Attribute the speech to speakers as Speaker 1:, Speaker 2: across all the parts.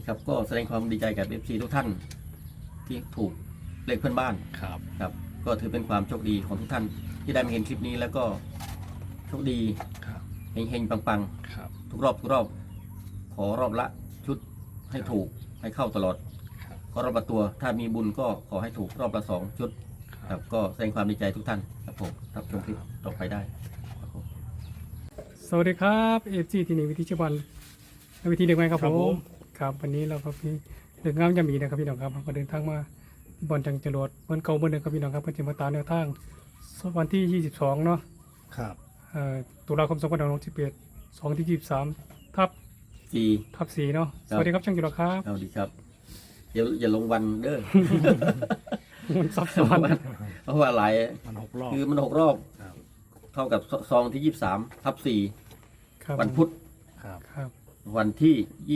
Speaker 1: ครับก็แสดงความดีใจกับ FC ทุกท่านที่ถูกเลขเพื่อนบ้าน
Speaker 2: ครับ
Speaker 1: ครับก็ถือเป็นความโชคดีของทุกท่านที่ได้มาเห็นคลิปนี้แล้วก็โชคดี
Speaker 2: ครับ
Speaker 1: เฮงๆปัง
Speaker 2: ครับ
Speaker 1: ๆทุกรอบขอรอบละชุดให้ถูกให้เข้าตลอด
Speaker 2: ครับ
Speaker 1: ก็รอบละตัวถ้ามีบุญก็ขอให้ถูกรอบละ2 ชุดครับก็แสดงความดีใจทุกท่านครับผมรับชมคลิปต่อไปได้ครับผม
Speaker 3: สวัสดีครับเอฟซีที่นี่วิธีชวันและวิธีเด็กใหม่ครับ
Speaker 2: ครับ
Speaker 3: ผ
Speaker 2: ผม ม
Speaker 3: ครับวันนี้เราก็มีเรื่องงามยามดีนะครับพี่น้องครับเราก็เดินทางมาที่บอลจังจรวดเมืองเก่าเมืองเดิมครับพี่น้องครับเพื่อจะมาตามแนวทางวันที่ 22 เนาะ
Speaker 2: ครับ
Speaker 3: ตุลาคม2561 2ที่23ทับ
Speaker 1: จี
Speaker 3: 4เนาะสวัสดีครับช่างจรวดครับ
Speaker 1: เอาดีครับอย่าลงวันเด้อ
Speaker 3: มันซับซ้อน
Speaker 1: เพราะว่าหลาย
Speaker 2: มัน6 รอบ
Speaker 1: คือมัน6 รอบ
Speaker 2: ครับ
Speaker 1: เท่ากับซองที่23 ทับ
Speaker 3: ครับ
Speaker 1: 4วันพุธ
Speaker 2: ครับ
Speaker 3: ครับ
Speaker 1: วันที่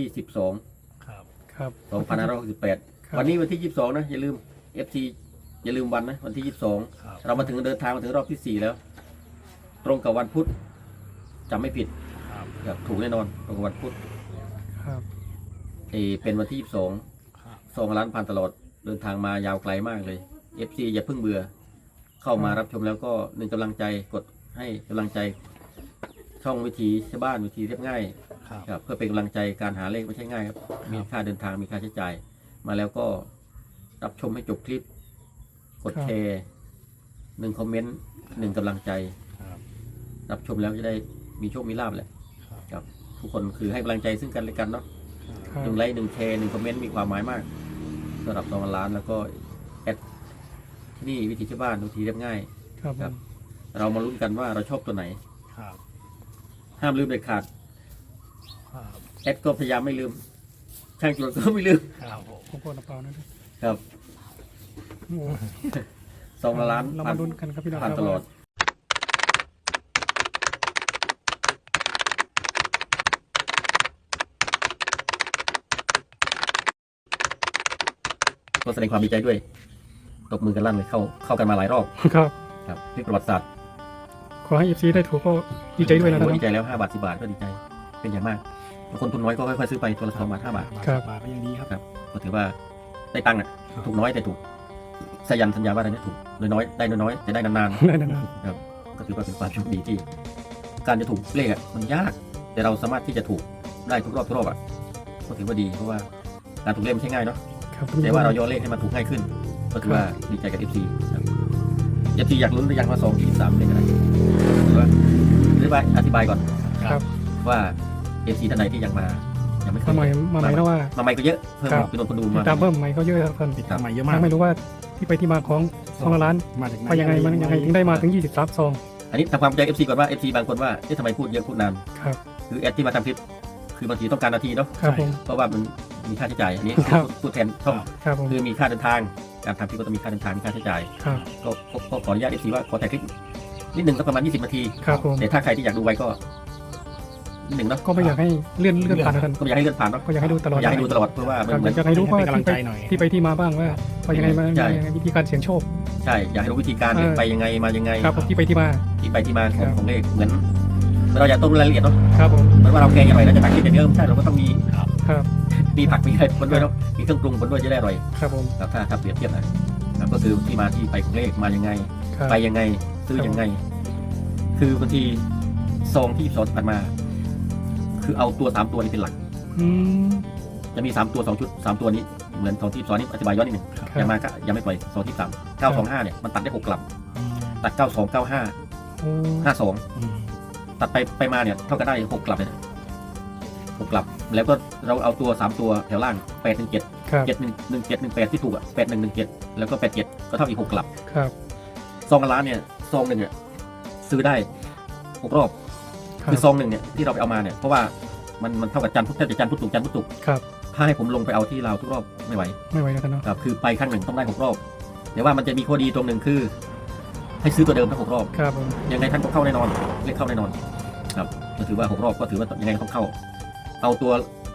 Speaker 1: 22
Speaker 2: ครับ
Speaker 3: ครับ
Speaker 1: 2568 วันนี้วันที่ 22 นะ อย่าลืม FC อย่าลืมวันนะวันที่
Speaker 2: ครับ
Speaker 1: 22 เรามาถึงเดินทางมาถึงรอบที่ 4 แล้ว ตรงกับวันพุธจำไม่ผิด
Speaker 2: ครับ
Speaker 1: ครับถูกแน่นอนตรงกับวันพุธ
Speaker 3: ครับ
Speaker 1: เป็นวันที่
Speaker 2: ครับ
Speaker 1: 22 2 ล้านผ่านตลอดเดินทางมายาวไกลมากเลย FC อย่าเพิ่งเบื่อ เข้ามารับชมแล้วก็หนึ่งกำลังใจกดให้กำลังใจ ช่องวิธีชาวบ้านวิธีเรียบง่าย
Speaker 2: ครับ
Speaker 1: ครับเพื่อเป็นกำลังใจการหาเลขไม่ใช่ง่ายครับมีค่าเดินทางมีค่าใช้จ่าย มาแล้วก็รับชมให้จบคลิป กดแชร์1 คอมเมนต์1 กำลังใจ
Speaker 2: ครับ
Speaker 1: รับชมแล้วจะได้มีโชคมีลาภแหละ
Speaker 2: ครับ
Speaker 1: ครับทุกคนคือให้กำลังใจซึ่งกันและกันเนาะ
Speaker 3: ครับ
Speaker 1: 1 ไลค์1 แชร์1 คอมเมนต์มีความหมายมากสำหรับ2 ล้านแล้วก็แอดที่นี่วิธีชาวบ้านวิธีเรียบง่าย
Speaker 3: ครับผ
Speaker 1: ครับ
Speaker 3: ม
Speaker 1: เรามาลุ้นกันว่าเราชอบตัวไหน
Speaker 2: ครับ
Speaker 1: ห้ามลืมเด็ดขาด
Speaker 2: ครับ
Speaker 1: แอดก็พยายามไม่ลืม ช่างจรวดก็ไม่ลืม
Speaker 2: ครับผม
Speaker 3: ผมก็นับเปล่านะ
Speaker 1: ครับ
Speaker 3: โอ้โห
Speaker 1: 2 ล้าน
Speaker 3: เรา
Speaker 1: ผ่า
Speaker 3: มาน ลุ้นกันครับพี่น้องค
Speaker 1: ผ่าน
Speaker 3: รับ
Speaker 1: ตลอด ก็แสดงความดีใจด้วยตบมือกันลั่นเลยเข้ากันมาหลายรอบ
Speaker 3: ครับ
Speaker 1: ครับพลิกประวัติศาสตร์
Speaker 3: ขอให้เอฟซีได้ถูกก็ดีใจด้วยนะค
Speaker 1: โอ้
Speaker 3: รับ
Speaker 1: ดีใจแล้ว5 บาท 10 บาทก็ดีใจ เป็นอย่างมากคนทุนน้อยก็ค่อยๆซื้อไปตัวละ2 บาท 5 บาท
Speaker 3: ครับ
Speaker 2: บาทก็ยังดีครับ
Speaker 1: ครับก็ถือว่าได้ตังค์อ่ะถูกน้อยแต่ถูกสยันสัญญาว่าอะไรเนี่ยถูกน้อยๆได้น้อยๆแต่ได้นาน
Speaker 3: ได้นาน
Speaker 1: ๆครับก็ถือว่าเป็นความโชคดีที่ การจะถูกเลขอ่ะมันยาก แต่เราสามารถที่จะถูกได้ทุกรอบอ่ะก็ถือว่าดีเพราะว่าการถูกเลขไม่ใช่ง่ายเนาะ
Speaker 3: ๆครับ
Speaker 1: แต่ว่าเราย่อเลขให้มันถูกง่ายขึ้น ก็ถือว่าดีใจกับ FC ครับ FC อยากลุ้นหรือยังว่า2 ที่3เลขอะไรหรือว่าอธิบายก่อน
Speaker 3: ครับ
Speaker 1: ว่า FC ท่านใดที่ยังไม่เค
Speaker 3: มาย ใหม่มาใหม่แล้วว่า
Speaker 1: มาใหม่ก็เยอะเพิ่ม
Speaker 3: ครับ
Speaker 1: จำนวนคนดู
Speaker 3: ติ
Speaker 1: มา
Speaker 3: ดตามเพิ่มใหม่เขาเยอะครับท่าน
Speaker 2: ติดตามใหม่เยอะมาก
Speaker 3: ยังไม่รู้ว่าที่ไปที่มาของ2 ล้าน
Speaker 2: มาจากไหน
Speaker 3: ไปยังไงมันยังไงถึงได้มาถึง23ซอง
Speaker 1: อันนี้ทำความเข้าใจ FC ก่อนว่า FC บางคนว่าทำไมพูดเยอะพูดนาน
Speaker 3: ครับ
Speaker 1: คือแอดที่มาทำคลิปคือบางทีต้องการนาทีเนาะ
Speaker 3: ครับผม
Speaker 1: เพราะว่ามันมีค่าใช้จ่ายอันนี้
Speaker 3: ครับ
Speaker 1: พูดแทนช่อง
Speaker 3: ครับผม
Speaker 1: คือมีค่าเดินทางการทำคลิปก็ต้องมีค่าเดินทางมีค่าใช้จ่าย
Speaker 3: ครับ
Speaker 1: ก็ขออนุญาต FC ว่าขอแต่คลิปนิดหนึ่งสักประมาณ20 นาที
Speaker 3: ครับผม
Speaker 1: แต่ถ้าใครที่อยากดูไวก็นิดหนึ่งเนาะ
Speaker 3: ก็ไม่อยากให้เลื่อนผ่านนะท่าน
Speaker 1: ก็ไม่อยากให้เลื่อนผ่านเนาะ
Speaker 3: ก็อยากให้ดูตลอด
Speaker 1: อยากให้ดูตลอดเพราะว่ามัน
Speaker 3: ครับ
Speaker 1: เหมือน
Speaker 3: อยากให้รู้ว่า
Speaker 2: เป็นกำลังใจหน่อย
Speaker 3: ที่ไปที่มาบ้างว่าไปยังไงมา
Speaker 1: ใช่
Speaker 3: ยังไงวิธีการเสี่ยงโชค
Speaker 1: ใช่อยากให้รู้วิธีการเนี่ยไปยังไงมายังไง
Speaker 3: ครับผมที่ไปที่มา
Speaker 1: ที่ไปที่มาของ
Speaker 3: ครับ
Speaker 1: ของเลขเหมือนเราอยากต้องรู้รายละเอียดเนาะ
Speaker 3: ครับผม
Speaker 1: เหมือนว่าเราแกงอร่อยแล้วจะตักกินอย่างเดียวไม่ใช่เราก็ต้องมี
Speaker 3: ครับ
Speaker 1: มีผักมีอะไรคนด้วยเนาะมีเครื่องปรุงคนด้วยจะได้อร่อย
Speaker 3: ครับผม
Speaker 1: ครับถ้าเปรียบเทียบนะครับก็คือที่มาที่ไปของเลขมายังไง
Speaker 3: ครับ
Speaker 1: ไปยังไงซื้อยังไง คือบางทีซองที่สอนผ่านมา คือเอาตัว3 ตัวนี้เป็นหลัก
Speaker 3: อืม
Speaker 1: จะมี3 ตัว2 ชุด3 ตัวนี้เหมือนซองที่สอนนี้อธิบายย้อนนิดหนึ่ง
Speaker 3: ครับ
Speaker 1: ยังมาก็ยังไม่ปล่อยซองที่3 925เนี่ยมันตัดได้6 กลับ ตัด 92 95
Speaker 3: โอ้
Speaker 1: 52
Speaker 2: อืม
Speaker 1: ตัดไปมาเนี่ยเท่ากันได้6 กลับเลยนะ6 กลับ แล้วก็เราเอาตัว3 ตัวแถวล่าง8 1 7
Speaker 3: ครับ
Speaker 1: 7 1 1 7 1 8ที่ถูกอ่ะ8 1 1 7แล้วก็8 7ก็เท่าอีก6 กลับ
Speaker 3: ครับ
Speaker 1: ซองละล้านเนี่ยซองหนึ่งเนี่ยซื้อได้6 รอบ
Speaker 3: ครับ
Speaker 1: คือซองหนึ่งเนี่ยที่เราไปเอามาเนี่ยเพราะว่ามันเท่ากับจันทร์พุธแทบจะจันทร์พุธศุกร์จันทร์พุธศุกร์
Speaker 3: ครับ
Speaker 1: ถ้าให้ผมลงไปเอาที่ลาวทุกรอบไม่ไหว
Speaker 3: ไม่ไหวแล้วกันเนาะ
Speaker 1: ครับคือไปครั้งหนึ่งต้องได้6 รอบแต่ว่ามันจะมีข้อดีตรงหนึ่งคือ ให้ซื้อตัวเดิมทั้ง6 รอบ
Speaker 3: ครับผม
Speaker 1: ยังไงท่านก็เข้าแน่นอนเลขเข้าแน่นอนครับก็ถือว่า6 รอบก็ถือว่ายังไงก็ต้องเข้า เอาตัว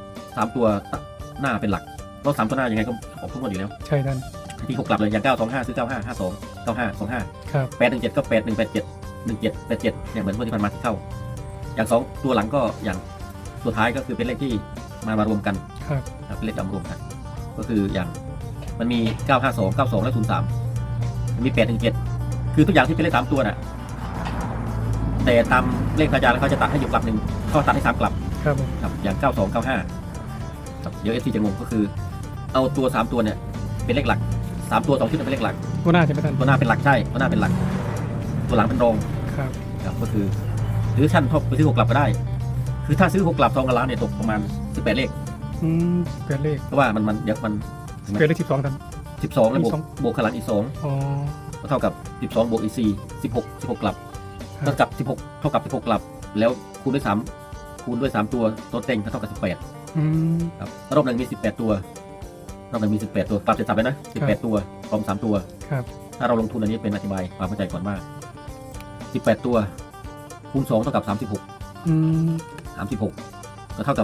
Speaker 1: 3 ตัวหน้าเป็นหลักเพราะ3 ตัวหน้ายังไงก็ออกทุกงวดอยู่แล้ว
Speaker 3: ใช่ท่าน
Speaker 1: ที่6 กลับเลยอย่าง925ซื้อ95 52 95 25
Speaker 3: ครับ
Speaker 1: 817ก็8187 1787เนี่ยเหมือนงวดที่ผ่านมาที่เข้า อย่าง2 ตัวหลังก็อย่างสุดท้ายก็คือเป็นเลขที่มารวมกัน
Speaker 3: ครับ
Speaker 1: ครับเป็นเลขดำรวมกัน ก็คืออย่างมันมี 952 92 และ 03มันมี8 1 7คือทุกอย่างที่เป็นเลข3ตัวน่ะแต่ตามเลขพระอาจารย์แล้วเขาจะตัดให้อยู่กลับหนึ่งเขาตัดให้3กลับ
Speaker 3: ครับผม
Speaker 1: ครับอย่าง 92 95ครับเดี๋ยว FC จะงงก็คือเอาตัว3ตัวเนี่ยเป็นเลขหลัก3ตัว2ชุดเป็นเลขหลัก
Speaker 3: ตัวหน้าจะไม่ทัน
Speaker 1: ตัวหน้าเป็นหลักใช่ตัวหน้าเป็นหลัก ตัวหลังเป็นรอง
Speaker 3: ครับ
Speaker 1: ครับก็คือหรือชั้นทบไปซื้อ6กลับก็ได้ คือถ้าซื้อ6กลับ2 กับล้านเนี่ยตกประมาณ18เลข
Speaker 3: เปลี่ยนเลข
Speaker 1: เพราะว่ามันเดี๋ยวมัน
Speaker 3: เปลี่ยนเลข12ทัน
Speaker 1: 12แล้วบวก
Speaker 3: 12
Speaker 1: บวกข้างหลังอีก2
Speaker 3: อ๋อ
Speaker 1: ก็เท่ากับ 12 บวกอีก4 16 กลับ
Speaker 3: ครั
Speaker 1: เท่ากับ16 เท่ากับ 16 กลับ แล้วคูณด้วย3คูณด้วย3ตัวตัวเต็งเท่ากับ18
Speaker 3: อืม
Speaker 1: ครับรอบหนึ่งมี18 ตัวรอบหนึ่งมี18 ตัวปรับเสร็จสับเลยนะ18 ตัวพร้อม3ตัว
Speaker 3: ครับ
Speaker 1: ถ้าเราลงทุนอันนี้เป็นอธิบายความเข้าใจก่อนว่า18 ตัวคูณ2เท่ากับ36
Speaker 3: อืม
Speaker 1: 36ก็เท่ากับ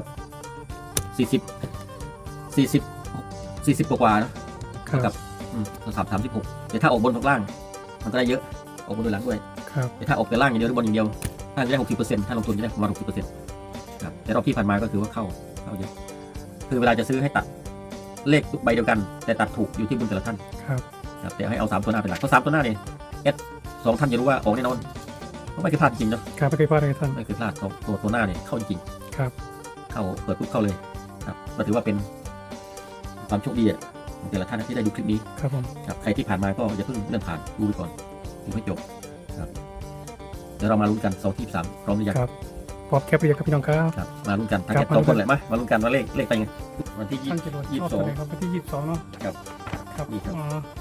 Speaker 1: 40 กว่าๆนะ
Speaker 3: ครั
Speaker 1: เท่ากับ 36แต่ถ้าออกบนตกล่าง มันก็ได้เยอะออกบนโดยหลังด้วย
Speaker 3: ครับ
Speaker 1: แต่ถ้าออกแต่ล่างอย่างเดียวหรือบนอย่างเดียวถ้าจะได้ 60%ถ้าลงทุนจะได้ประมาณ 60%ครับแต่รอบที่ผ่านมาก็คือว่าเข้าเยอะคือเวลาจะซื้อให้ตัดเลขทุกใบเดียวกัน แต่ตัดถูกอยู่ที่บุญแต่ละท่าน
Speaker 3: ครับ
Speaker 1: ครับแต่ให้เอา3ตัวหน้าเป็นหลักเพราะ3ตัวหน้าเนี่ย2ท่านจะรู้ว่าออกแน่นอนเพราะไม่เคยพลาดจริงเนาะ
Speaker 3: ครับไม่เคยพลาดเลยท่าน
Speaker 1: ไม่เคยพลาดตัวหน้าเนี่ยเข้าจริง
Speaker 3: ครับ
Speaker 1: เข้าเปิดปุ๊บเข้าเลยครับก็ถือว่าเป็นความโชคดีอะของแต่ละท่านที่ได้ดูคลิปนี้
Speaker 3: ครับผม
Speaker 1: ครับใครที่ผ่านมาก็อย่าเพิ่งเลื่อนผ่านดูไปก่อนดูให้จบครับเดี๋ยวเรามาลุ้นกัน2ที่3พร้อมหรือยัง
Speaker 3: ครับพร้อมแคปเรียกครับพี่น้องครับ
Speaker 1: ครับมาลุ้นกันทั้ง
Speaker 3: ครั
Speaker 1: แค่
Speaker 3: บ
Speaker 1: 2คนแหละมาลุ้นกันว่าเลขไปไงวันที่
Speaker 3: ตั้งใจรถชอบตัวไหนครับวันที่22เนาะ
Speaker 1: ครับ
Speaker 3: ครับ
Speaker 1: นี่ครับ
Speaker 3: อ๋อ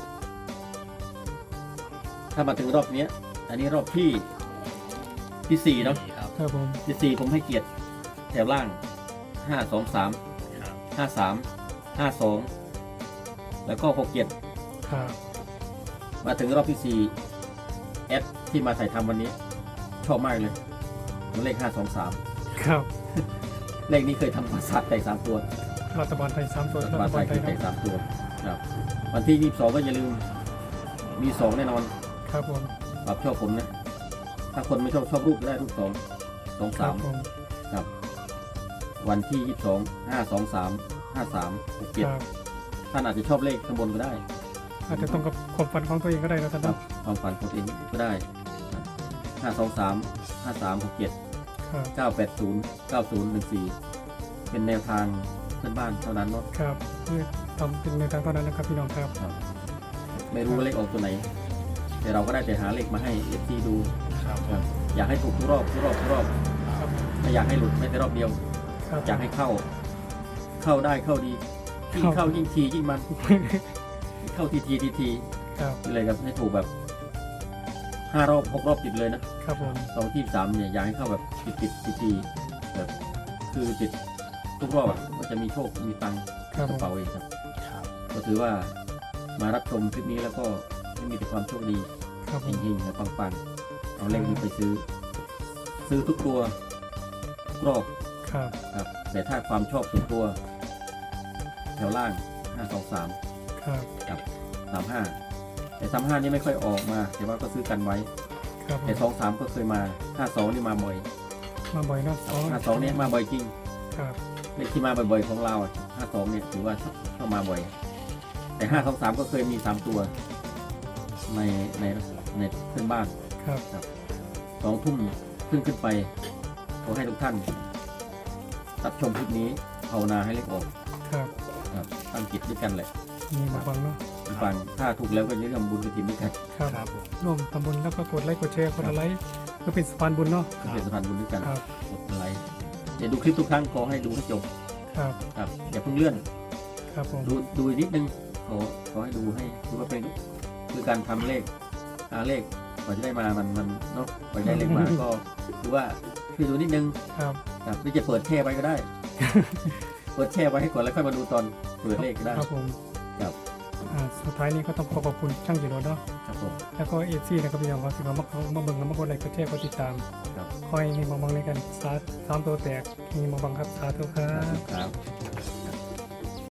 Speaker 1: ถ้ามาถึงรอบเนี้ยอันนี้รอบที่4เนาะ
Speaker 2: ครับ
Speaker 3: ครับผม
Speaker 1: ที่4ผมให้เกียรติแถวล่าง5 2 3
Speaker 2: ครับ
Speaker 1: 5 3 5 2แล้วก็6 7
Speaker 3: ครับ
Speaker 1: มาถึงรอบที่4แอดที่มาถ่ายทำวันนี้ ชอบมากเลยเลข523
Speaker 3: ครับ
Speaker 1: เลขนี้เคยทำมาสัตว์แต่3ตัว
Speaker 3: รัฐบาลไทย3ตัว
Speaker 1: รัฐ
Speaker 3: รั
Speaker 1: บาล
Speaker 3: ฐ
Speaker 1: ไท
Speaker 3: บาล
Speaker 1: ย
Speaker 3: ไท
Speaker 1: คื
Speaker 3: ย
Speaker 1: อ
Speaker 3: ค
Speaker 1: แต่
Speaker 3: รับ
Speaker 1: 3ตัวครับวันที่22ก็อย่าลืมมี2แน่นอน
Speaker 3: ครับผม
Speaker 1: ปรับชอบผมนะ ถ้าคนไม่ชอบรูปก็ได้รูป2 2
Speaker 3: ครับผม
Speaker 1: 3ครับวันที่22 5 2 3 5 3 6
Speaker 3: ครับ
Speaker 1: 7ท่านอาจจะชอบเลขข้างบนก็ได้
Speaker 3: อาจจะตรงกับความฝันของตัวเองก็ได้นะท่าน
Speaker 1: ครั
Speaker 3: เนาะ
Speaker 1: บความฝันของตัวเองก็ได้5 2 3 5 3 6 7
Speaker 3: ครับ
Speaker 1: 9 8 0 9 0 1 4เป็นแนวทางเพื่อนบ้านเท่านั้นเนาะ
Speaker 3: ครับนี่ทำเป็นในทางเท่านั้นนะครับพี่น้องครับ
Speaker 1: ครับไม่รู้ว่าเลขออกตัวไหน แต่เราก็ได้แต่หาเลขมาให้เอฟซีดู
Speaker 2: ครับ
Speaker 1: ครับอยากให้ถูกทุกรอบไม่อยากให้หลุดไม่แต่รอบเดียว
Speaker 3: ครับ
Speaker 1: อยากให้เข้าได้เข้าดียิ่งเข้ายิ่งทียิ่งมัน เข้าที
Speaker 3: ครับ
Speaker 1: เลยครับให้ถูกแบบ5 รอบ 6 รอบติดเลยนะครับ
Speaker 3: ผม
Speaker 1: 2ที่3เนี่ยอยากให้เข้าแบบติดทีแบบคือติดทุกรอบอะก็จะมีโชคมีตังค์
Speaker 3: ครับ
Speaker 1: ก
Speaker 3: ผ
Speaker 1: ระ
Speaker 3: ม
Speaker 1: เป๋าเองครับ
Speaker 2: ครับ
Speaker 1: ก็ถือว่ามารับชมคลิปนี้แล้วก็ให้มีแต่ความโชคดี
Speaker 3: ครับผม
Speaker 1: เฮงๆและปังๆเอาเลขนี้ไปซื้อทุกตัวทุกรอบ
Speaker 3: ครับ
Speaker 1: ครับแต่ถ้าความชอบส่วนตัว แถวล่าง 523
Speaker 3: ครับ
Speaker 1: กับ 35 แต่ 35 นี่ไม่ค่อยออกมา แต่ว่าก็ซื้อกันไว้
Speaker 3: ครับผม
Speaker 1: แต่ 23 ก็เคยมา 52 นี่มาบ่อย
Speaker 3: มาบ่อยเนาะ
Speaker 1: 52 เนี่ยมาบ่อยจริง
Speaker 3: ครับ
Speaker 1: เลขที่มาบ่อยๆของเราอะ52 เนี่ยถือว่าเข้ามาบ่อย แต่ 523 ก็เคยมี 3 ตัวในเพื่อนบ้าน
Speaker 3: ครับ
Speaker 1: 2 ทุ่มขึ้นไปขอให้ทุกท่านรับชมคลิปนี้ภาวนาให้เลขออก
Speaker 3: ครับ
Speaker 1: ครับตั้งจิตด้วยกันแหละ
Speaker 3: มีมาฟังเนาะ
Speaker 1: ฟังถ้าถูกแล้วก็อย่าลืมทำบุญกฐินด้วยกัน
Speaker 3: ครับ
Speaker 2: ครับผม
Speaker 3: ร่วมทำบุญแล้วก็กดไลค์กดแชร์กดอะไรเพื่อเป็นสะพานบุญเนาะ
Speaker 1: เป็นสะพานบุญด้วยกัน
Speaker 3: ครับ
Speaker 1: กดไลค์เดี๋ยวดูคลิปทุกครั้งขอให้ดูให้จบ
Speaker 3: ครับ
Speaker 1: ครับอย่าเพิ่งเลื่อน
Speaker 3: ครับผม
Speaker 1: ดูอีกนิดนึงขอให้ดูให้ดูว่าเป็นคือการทำเลขหาเลขกว่าจะได้มามันเนาะกว่าจะได้เลขมา ก็คือว่าคือดูนิดนึง
Speaker 3: ครับ
Speaker 1: ครับหรือจะเปิดแช่ไว้ก็ได้ เปิดแช่ไว้ให้ก่อนแล้วค่อยมาดูตอนเปิดเลขก็ได้
Speaker 3: ครับผม
Speaker 1: ครับ
Speaker 3: สุดท้ายนี้ก็ต้องขอบคุณช่างจิโร่เนาะ
Speaker 1: ครับผม
Speaker 3: แล้วก็เอฟซีนะครับพี่น้องครับที่มาเบิ่งแล้วมากดไลค์กดแชร์กดติดตาม
Speaker 1: ครับ
Speaker 3: คอยมีมาบังในกัน3ตัวแตกมีมาบังครับสาธุครั
Speaker 1: ครับ บ